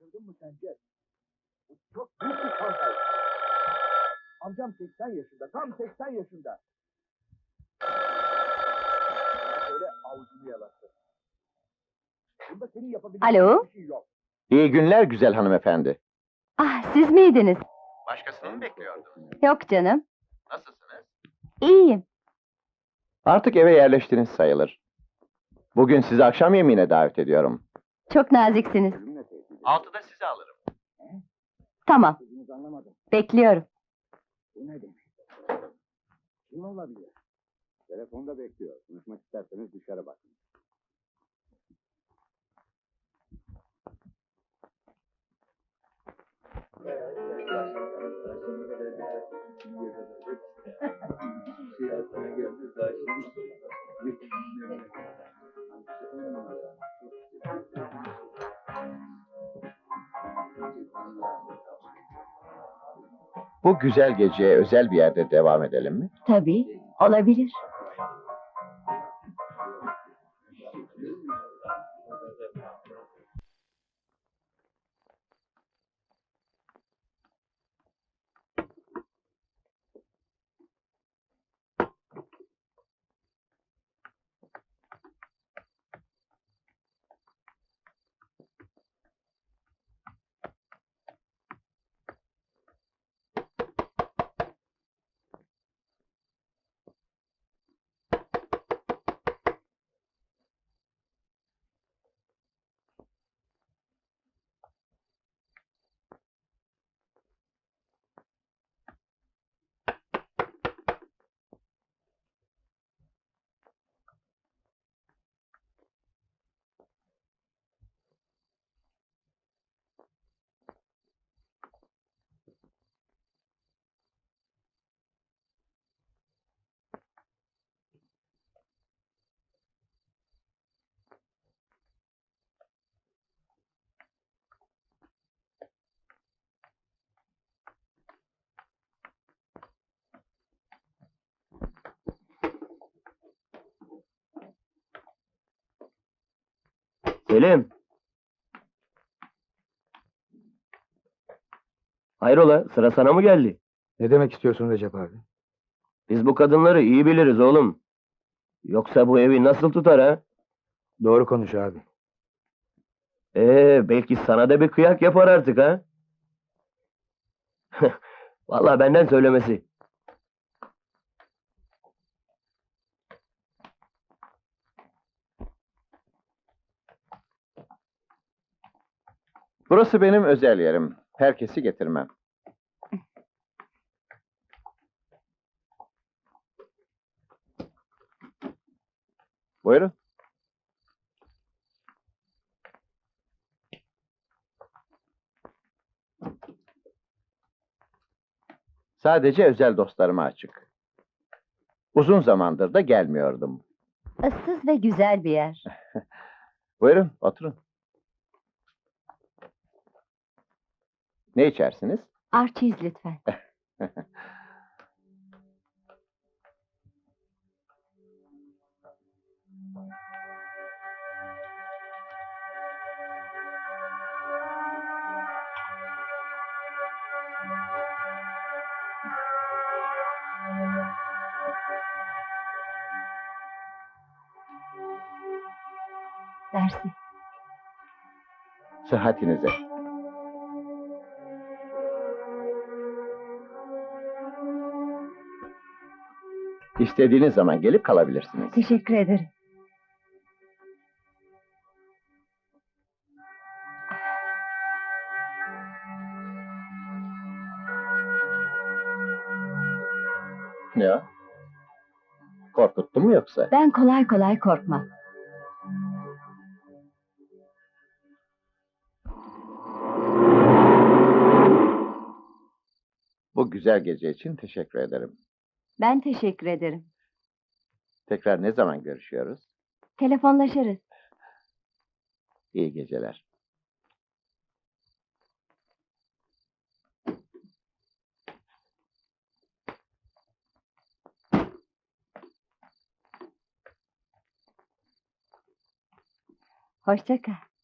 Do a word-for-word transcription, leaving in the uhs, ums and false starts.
Şaşırdın mı sence? Bu çok büyük bir skandal. Amcam seksen yaşında, tam seksen yaşında. Böyle avucunu yalattı. Bunda senin yapabileceğin Alo? bir şey yok. İyi günler güzel hanımefendi. Ah, siz miydiniz? Başkasını mı bekliyordun? Yok canım. Nasılsınız? İyiyim. Artık eve yerleştiniz sayılır. Bugün sizi akşam yemeğine davet ediyorum. Çok naziksiniz. Altıda sizi alırım. Tamam. Sözünüzü anlamadım. Bekliyorum. Bu ne demek? Kim olabilir? Telefonda bekliyor. Konuşmak isterseniz dışarı bakın. Bu güzel geceye özel bir yerde devam edelim mi? Tabii, olabilir. Selim. Hayrola, sıra sana mı geldi? Ne demek istiyorsun Recep abi? Biz bu kadınları iyi biliriz oğlum. Yoksa bu evi nasıl tutar ha? Doğru konuş abi. Ee, belki sana da bir kıyak yapar artık ha? Vallahi benden söylemesi. Burası benim özel yerim. Herkesi getirmem. Buyurun. Sadece özel dostlarıma açık. Uzun zamandır da gelmiyordum. Issız ve güzel bir yer. Buyurun, oturun. Ne içersiniz? Arçiz lütfen. Dersi. Sıhhatinize. İstediğiniz zaman gelip kalabilirsiniz. Teşekkür ederim. Ya? Korkuttu mu yoksa? Ben kolay kolay korkmam. Bu güzel gece için teşekkür ederim. Ben teşekkür ederim. Tekrar ne zaman görüşüyoruz? Telefonlaşırız. İyi geceler. Hoşça kal.